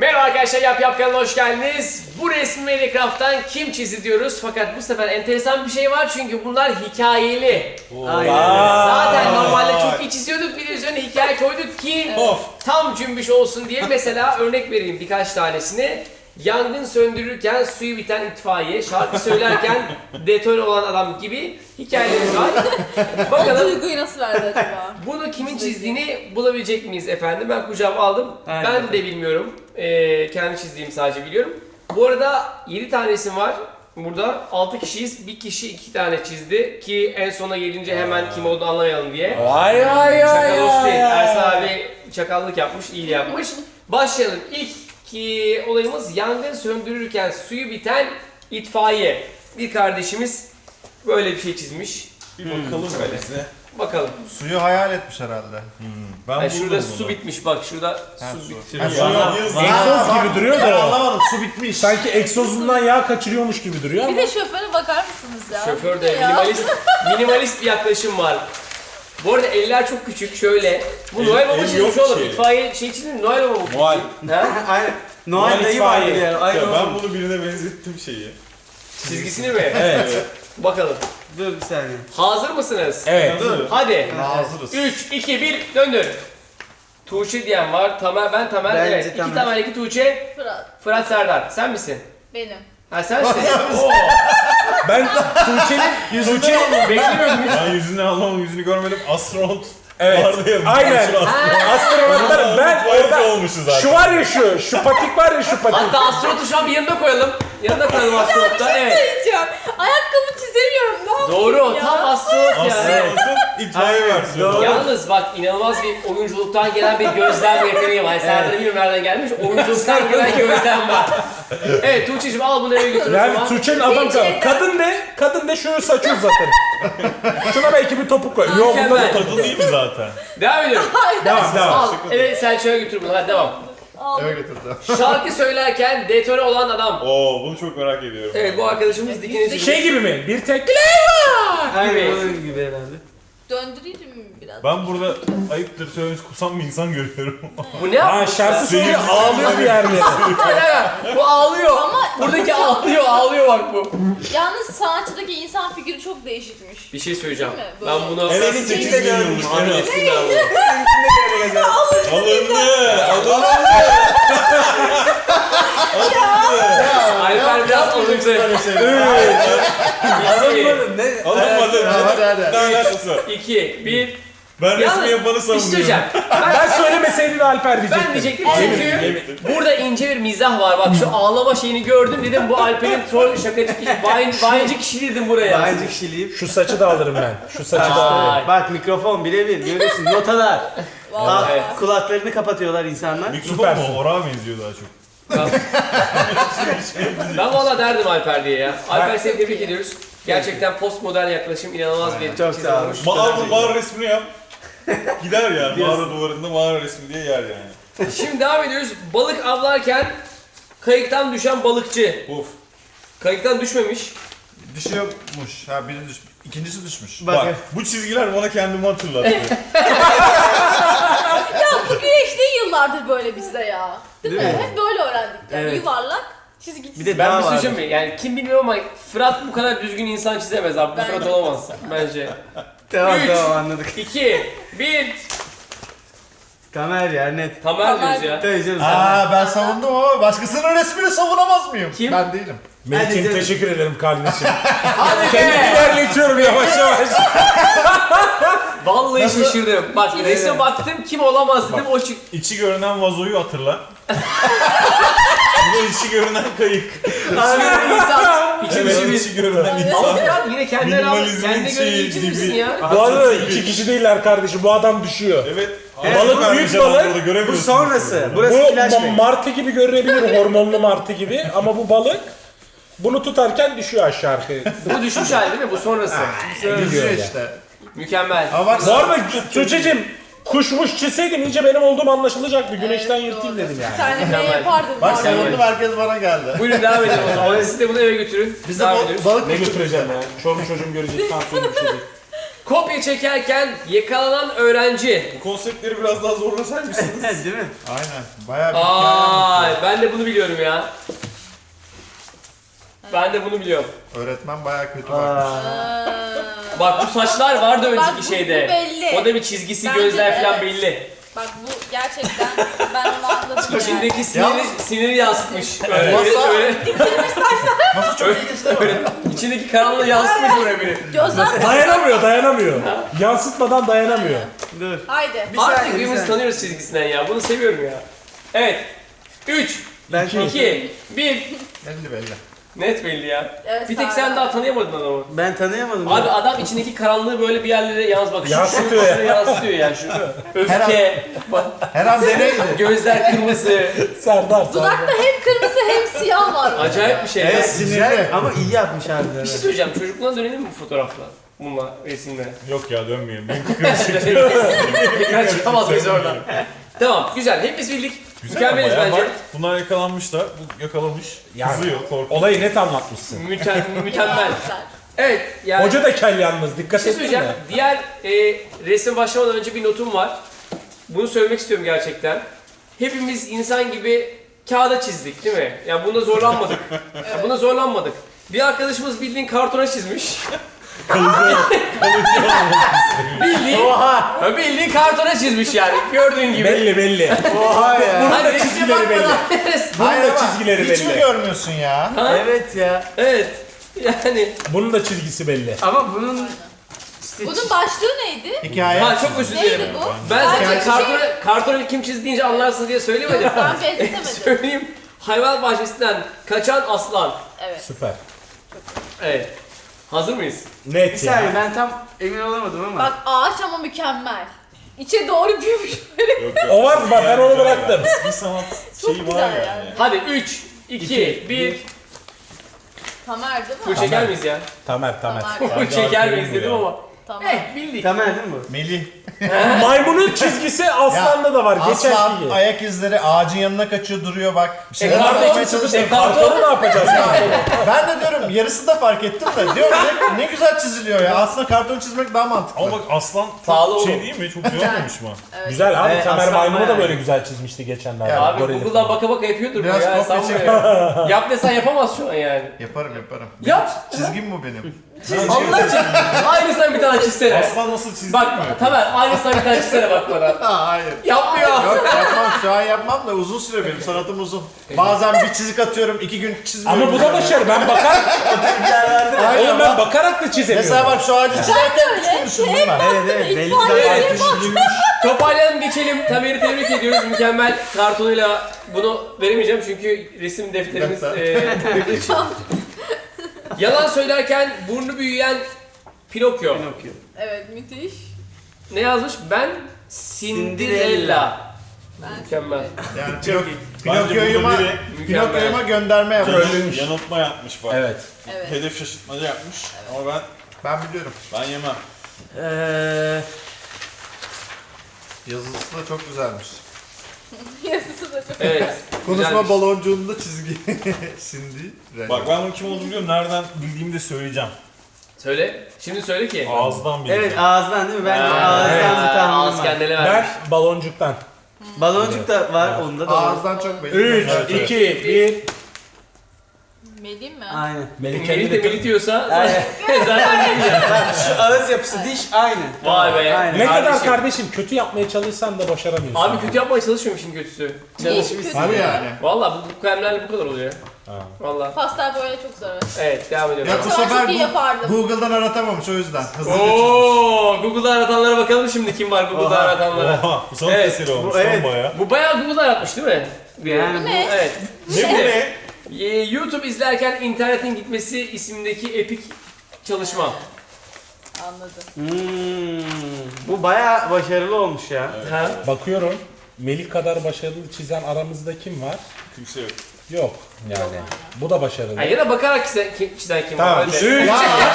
Merhaba arkadaşlar, Yap kanalına hoş geldiniz. Bu resmi Minecraft'tan kim çizdi diyoruz. Fakat bu sefer enteresan bir şey var çünkü bunlar hikayeli. Zaten normalde çok iyi çiziyorduk, bir de üzerine hikaye koyduk ki tam cümbüş olsun diye. Mesela örnek vereyim birkaç tanesini. Yangın söndürürken suyu biten itfaiye, şarkı söylerken detone olan adam gibi hikayelerimiz var. O Bakalım duyguyu nasıl verdi acaba? bunu kimin çizdiğini bulabilecek miyiz efendim? Ben kucağıma aldım. Aynen. Ben de bilmiyorum. Kendi çizdiğimi sadece biliyorum. Bu arada 7 tanesi var. Burada 6 kişiyiz. Bir kişi 2 tane çizdi ki en sona gelince hemen kim olduğunu anlamayalım diye. Vay vay Çakalos değil. Ersan abi çakallık yapmış, iyi yapmış. Başlayalım. İlk olayımız yangın söndürürken suyu biten itfaiye. Bir kardeşimiz böyle bir şey çizmiş. Bir bakalım bize. Bakalım. Suyu hayal etmiş herhalde. Ben Yani buldum şurada bunu. su bitmiş bak şurada su bitmiş. Ha, Egzoz gibi duruyor Ben da. anlamadım, su bitmiş. Sanki egzozundan yağ kaçırıyormuş gibi duruyor Bir ama. de şoföre bakar mısınız ya? Şoför de Ya. minimalist bir yaklaşım var. Bu arada eller çok küçük şöyle. Bu Noel Baba el çizmiş yok oğlum. ki. İtfaiye şey çizmiş mi? Noel Baba bu. Noel. Ha? Aynen. Noel dayı vardı itfaiye. yani. Aynen. Ya ben bunu birine benzettim şeyi. Çizgisini mi? Evet. Bakalım. Dur bir saniye. Hazır mısınız? Evet. Hadi. Hazırız. 3, 2, 1 döndür. Tuğçe diyen var. Tamer, ben Tamer. Bence Evet. 2 Tamer. Tamer, 2 Tuğçe. Fırat, Fırat Serdar. Sen misin? benim. Ha sensin. Oo. Ben Tuğçe'nin Beklemiyordum hiç. Ben yüzünü anlamam, yüzünü görmedim. Astronot Evet. vardı ya. Aynen. meşhur astronot. Astronotlarım ben Tuvalet orada olmuşuz zaten. şu var ya şu patik var ya şu patik. Hatta astronotu şu an bir yanına koyalım. Yanına koyalım astronotta. Evet. Diyeceğim. Ayakkabı çizemiyorum. Ne yapayım Doğru. ya? Tam astronot ya. Astronotun itfaiye versiyonu. Yalnız bak inanılmaz bir oyunculuktan gelen bir gözlem yeteneği var. Serdar'ın bilmiyorum nereden gelmiş. Oyunculuktan gelen gözlem var. Evet Tuğçe'cim al bunu eve götür o Yani zaman. Tuğçe'nin adam kadın de şunu saçı uzatır. Şuna belki bir topuk koy. Yok bunda da Mükemmel. topuk. Kadın değil mi zaten? Devam ediyorum. Devam. Al. Evet Selçuk'a götür bunu. Hadi devam. Aldım. Eve götürdü. Şarkı söylerken detone olan adam. Oo bunu çok merak ediyorum. Evet bu arkadaşımız dikine çıkmış. Şey gibi mi? Bir tek var. Aynen onun gibi herhalde. Döndüreyim mi biraz? Ben burada ayıptır söylemesi kusan bir insan görüyorum. Bu ne Ha yapmış? şarkı söylüyor ağlıyor bir yerde. Bu ağlıyor. Ama Buradaki ağlıyor bak bu. yalnız sanatçıdaki insan figürü çok değişikmiş. Bir şey söyleyeceğim. Değil mi? Ben Böyle. bunu... En az 8 milyonmuş. En az. Anladım ben bunu. Alındı. Alper biraz alındı. Alınmadım ne? Alınmadı. Hadi hadi. Ne alakası var? 2, 1. Ben resmi yapanı Bir şey söyleyeceğim. savunuyorum. Ben söylemeseydin Alper diyecektim. Ben diyecektim çünkü burada ince bir mizah var. Bak şu ağlama şeyini gördüm dedim bu Alper'in troll şakacı kişi, bayincı kişi dedim buraya. Bence kişiliğim. Şu saçı da alırım ben. Şu saçı da alırım. Vay. Bak mikrofon birebir görüyorsun notalar. Vallahi. Evet. Kulaklarını kapatıyorlar insanlar. Mikrofon Süpersin. mu? Orağa benziyor daha çok. Ben valla derdim Alper diye ya. Alper seni tebrik ediyoruz. Gerçekten postmodern yaklaşım inanılmaz bir Çok çizim sağ ol. olmuş. Mağara resmini yap. Gider ya. Mağara duvarında mağara resmi diye yer yani. Şimdi devam ediyoruz. Balık avlarken kayıktan düşen balıkçı. Of. Kayıktan düşmemiş. Düşüyormuş. Ha biri düşmüş. İkincisi düşmüş. Bak Bak. bu çizgiler bana kendimi hatırlattı. Ya bu güneş değil yıllardır böyle bizde ya. Değil mi? Değil mi? Hep böyle öğrendik yani. Evet. Yuvarlak, çizgi Bir de Ben daha bir var. söyleyeceğim mi? Yani kim bilmiyorum ama Fırat bu kadar düzgün insan çizemez abi. Bu Bence. Fırat olamaz bence. Tamam Üç. tamam anladık. 2, 1. Kamer ya net. Tamer diyoruz ya. Tabii canım sen. Aa ben savundum ama başkasının resmini savunamaz mıyım? Kim? Ben değilim. Melih'ciğim Hadi teşekkür ederim kardeşim. Hadi Kendimi be! ilerletiyorum yavaş yavaş. Vallahi şaşırdım. Bak resme baktım kim olamaz dedim o çıktı. İçi görünen vazoyu hatırla. Bu da içi görünen kayık. İçinde insan. İçi dışı Evet, bir. içi görünen Ama insan. Fırat yine kendine al. Minimalizmin Kendine göre iyi şeyi çizmişsin gibi. ya. Bu arada iki kişi değiller kardeşim. Bu adam düşüyor. Evet. Balık Ağzı büyük vermiş balık. adam, burada göremiyorsun. Bu sonrası. Bu Burası flashback. martı gibi görünebilir. Hormonlu martı gibi. Ama bu balık bunu tutarken düşüyor aşağı arkaya. Bu düşmüş hali değil mi? Bu sonrası. Düşüyor ya. işte. Mükemmel. Ama bak Bu arada Tuğçe'cim kuşmuş çizseydim iyice benim olduğum anlaşılacaktı. Güneşten yırtayım dedim Bir yani. tane ne Mükemmel. yapardım. bak var. savundum herkes bana geldi. Buyurun devam edelim o zaman. Siz de bunu eve götürün. Biz de Devam ediyoruz. balık Ne götüreceğim ya? Çoluk çocuğum görecek tansiyonum düşecek. Kopya çekerken yakalanan öğrenci. Bu konseptleri biraz daha zorlasaymışsınız. Değil mi? Aynen. Bayağı bir hikaye anlatıyor. Aa, ben de bunu biliyorum ya. Ben de bunu biliyorum. Öğretmen bayağı kötü bakmış. Bak bu saçlar vardı Bak, önceki bu şeyde. belli. O da bir çizgisi, Bence gözler de, falan evet. belli. Bak bu gerçekten ben onu anladım yani. İçindeki siniri yansıtmış. Öyle, Masa- öyle, Masa çok ilginç değil mi? içindeki karanlığı yansıtmış buraya biri. Gözler Dayanamıyor. Yansıtmadan dayanamıyor. Dur. haydi. Bir Artık saniye, bir birbirimizi saniye. tanıyoruz çizgisinden ya. Bunu seviyorum ya. Evet. 3, Ben 2, 1. Belli belli. Net belli ya. Evet, Bir tek sağ sen ol. daha tanıyamadın adamı. Ben tanıyamadım. Abi ya. adam içindeki karanlığı böyle bir yerlere yalnız bak. Yansıtıyor ya. Yansıtıyor yani şu. Öfke, bak, Her an deneydi. gözler kırmızı. Serdar. Dudakta hem kırmızı hem siyah var. Acayip bir şey. Evet, ya. sinirli. güzel ama iyi yapmış harbiden. Bir şey söyleyeceğim. Çocukluğuna dönelim mi bu fotoğrafla? Bununla, resimle. Yok ya dönmeyelim. Tekrar çıkamaz mıyız oradan? Tamam, güzel. Hepimiz bildik. Mükemmeliz bence. Bak, bunlar yakalamışlar. Bu yakalamış. Yani. Kızıyor, korkuyor. Olayı net anlatmışsın. Mükemmel. Evet, yani Hoca da kel yalnız. bir Dikkat şey ettin söyleyeceğim. mi? Diğer resim başlamadan önce bir notum var. Bunu söylemek istiyorum gerçekten. Hepimiz insan gibi kağıda çizdik değil mi? Yani bunda zorlanmadık. Yani buna zorlanmadık. Bir arkadaşımız bildiğin kartona çizmiş. Bildiğin kartona çizmiş yani. Gördüğün gibi. Belli. Oha ya. Bunun Hadi da resme çizgileri belli. bakmadan- Bunun Hayır da ama çizgileri hiç mi belli. görmüyorsun ya? Evet ya. Evet. Yani. Bunun da çizgisi belli. Ama bunun işte Bunun başlığı neydi? Hikaye. Ha çok özür dilerim. Neydi bu? Ben Bence zaten şey- kartonu kim çizdi deyince anlarsın diye söylemedim. Ben benzetemedim. Söyleyeyim. Hayvan bahçesinden kaçan aslan. Evet. Süper. Evet. Hazır mıyız? bir Net saniye ya. ben tam emin olamadım ama. Bak ağaç ama mükemmel. İçe doğru büyümüş. Yok, yok. O var mı? Bak ben onu bıraktım. Bir sanat Çok şeyi güzel var yani. yani. Hadi 3, 2, 1. Tamer değil mi? Bu çeker miyiz ya? Tamer. Tamer. Bu çeker miyiz dedim ama. Tamer. Bildik. Tamer değil mi bu? Melih. Maymunun çizgisi aslanda da var. Geçen Aslan gibi. ayak izleri ağacın yanına kaçıyor duruyor bak. Bir şeyler karton anlatmaya çizdi, çalıştım. Kartonu ne yapacağız? Ben de diyorum yarısını da fark ettim de diyorum ne güzel çiziliyor ya. Aslında karton çizmek daha mantıklı. Ama bak aslan Pahalı çok şey oğlum. değil mi? Çok güzel olmamış mı? Güzel abi. Evet, Tamer aslan maymunu da bayağı böyle iyi. güzel çizmişti geçenlerde. Ya, Abi Gorili Google'dan falan. baka baka yapıyordur bu Biraz ya. kopya Sanma çekelim. ya. Yap desen yapamaz şu an yani. Yaparım. Yap. Çizgim bu benim. Allah için. Aynısından bir tane çizsene. Aslan nasıl çizdi Bak mi? Tamer aynısından bir tane çizsene bak bana. Hayır. Yapmıyor. Yok yapmam şu an yapmam da uzun süre benim sanatım uzun. Bazen bir çizik atıyorum 2 gün çizmiyorum. Ama bu da başarı. Ben bakarak... Aynen Oğlum ben bak. bakarak da çizemiyorum. Mesela bak şu ağacı çizerken 3 gün düşündüm ben. Evet belli Evet. zaten. Toparlayalım geçelim. Tamer'i tebrik ediyoruz. Mükemmel kartonuyla bunu veremeyeceğim çünkü resim defterimiz Defter. Yalan söylerken burnu büyüyen Pinokyo. Evet müthiş. Ne yazmış? Ben Cinderella. Mükemmel. Yani Bence Pinokyo'yuma burada biri Pinokyo'yuma gönderme yapmış. yanıltma yapmış bak. Evet. Evet. Hedef şaşırtmaca yapmış. Ama Ben biliyorum. ben yemem. Yazısı da çok güzelmiş. Yazısı da çok Evet. Konuşma güzelmiş. baloncuğunda çizgi. Cindy. Bak ben bunun kim olduğunu biliyorum. Nereden bildiğimi de söyleyeceğim. Söyle. Şimdi söyle ki. Ağızdan bileceğim. Evet ağızdan değil mi? Ben de Evet, ağızdan bir tahminim ağız var. kendine Ben vermiş. baloncuktan. Baloncuk da var onda da var. Ağızdan çok belli. 3, Evet, evet. 2, 1. Melih mi? Aynen. Melih de Melih diyorsa Aynen. zaten Melih ya. Bak şu ağız yapısı diş aynı. Vay be. Aynen. Ne kadar Kardeşim. kardeşim kötü yapmaya çalışsan da başaramıyorsun. Abi kötü yapmaya çalışmıyormuşsun kötüsü. Çalışmışsın. Tabii yani. Valla bu kalemlerle bu kadar oluyor. Valla. Pastel boya çok zor. Evet devam ediyorum. Ya bu Ben sefer çok iyi yapardım. Google'dan aratamamış o yüzden. Hızlıca çizmiş. Oo, Google'da aratanlara bakalım şimdi kim var Google'da aratanlara. Oha bu sanat Evet, eseri olmuş bu- lan evet. baya. Bu bayağı Google'da aratmış değil mi? Yani bu- Ne? Evet. Ne bu Şimdi, ne? YouTube izlerken internetin gitmesi isimdeki epik çalışma. Anladım. Bu bayağı başarılı olmuş ya. Ha? Bakıyorum. Melih kadar başarılı çizen aramızda kim var? Kimse yok. Yok yani. Bu da başarılı. Ha, ya da bakarak çizen kim Tamam. var? Hadi. 3,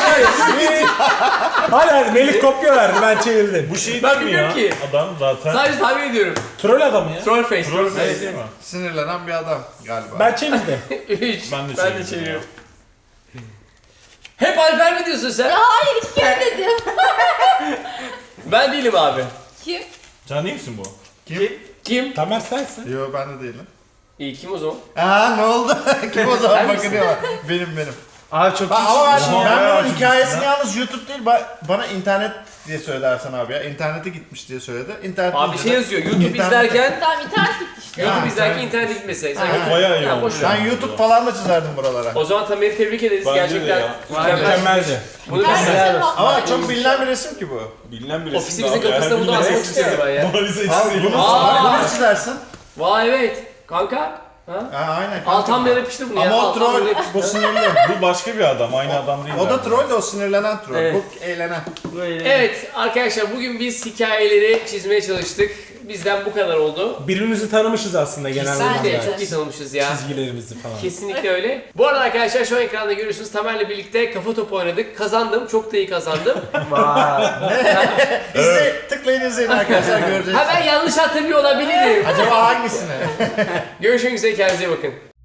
Hadi Melih kopya verdi ben çevirdim. Bu şey Ben değil mi bilmiyorum ya? ki. Adam zaten. Sadece tahmin ediyorum. Troll adamı ya. Troll face. Troll face değil mi? Sinirlenen bir adam galiba. Ben çevirdim. 3. Ben de Ben de çeviriyorum çeviriyorum. Hep Alper mi diyorsun sen? Ya hayır 2 kere dedim. Ben değilim abi. Kim? Can değil misin bu? Kim? Tamer sensin. Yo ben de değilim. İyi kim o zaman? Aa ne oldu? Kim o zaman Sen misin? bakınıyor? Benim. Abi çok Ama ben, Oha, ben bayağı bunun hikayesini acımışsın yalnız YouTube değil bana internet diye söyledi Ersan abi ya. İnternete gitmiş diye söyledi. İnternet Abi şey yazıyor. YouTube İnternet- izlerken Tamam internet gitti işte. YouTube Ha, izlerken sen- internet gitmese. Sen Ha, YouTube- bayağı iyi Ya, olmuş boş ya. ver. Ben YouTube falan da çizerdim buralara. O zaman Tamer'i tebrik ederiz. Bence de Gerçekten ya. mükemmel. Mükemmeldi. Bunu biz Herkese Ama bak. çok bilinen bir resim ki bu. Bilinen bir resim. Ofisimizin abi ya. kapısında bunu Bilinen asmak resim istiyorum ben ya. Mona Lisa Al ikisi bunu, değil. Aa! bunu çizersin. Vay evet. Kanka. Ha? Ha aynen. Al tam da yapıştır bunu ya. Ama Al, o tam troll, böyle yapıştır. bu sinirli. Bu başka bir adam, aynı adam değil. O da yani. troll de o sinirlenen troll. Evet. Bu eğlenen. böyle. Evet arkadaşlar bugün biz hikayeleri çizmeye çalıştık. Bizden bu kadar oldu. Birbirimizi tanımışız aslında genel Kesinlikle anlamda. çok iyi tanımışız ya. Çizgilerimizi falan. Kesinlikle öyle. Bu arada arkadaşlar şu an ekranda görüyorsunuz Tamer'le birlikte kafa topu oynadık. Kazandım. Çok da iyi kazandım. Vay. Tıklayın izleyin arkadaşlar göreceksiniz. Ha ben yanlış hatırlıyor olabilirim. Acaba hangisine? Görüşmek üzere kendinize iyi bakın.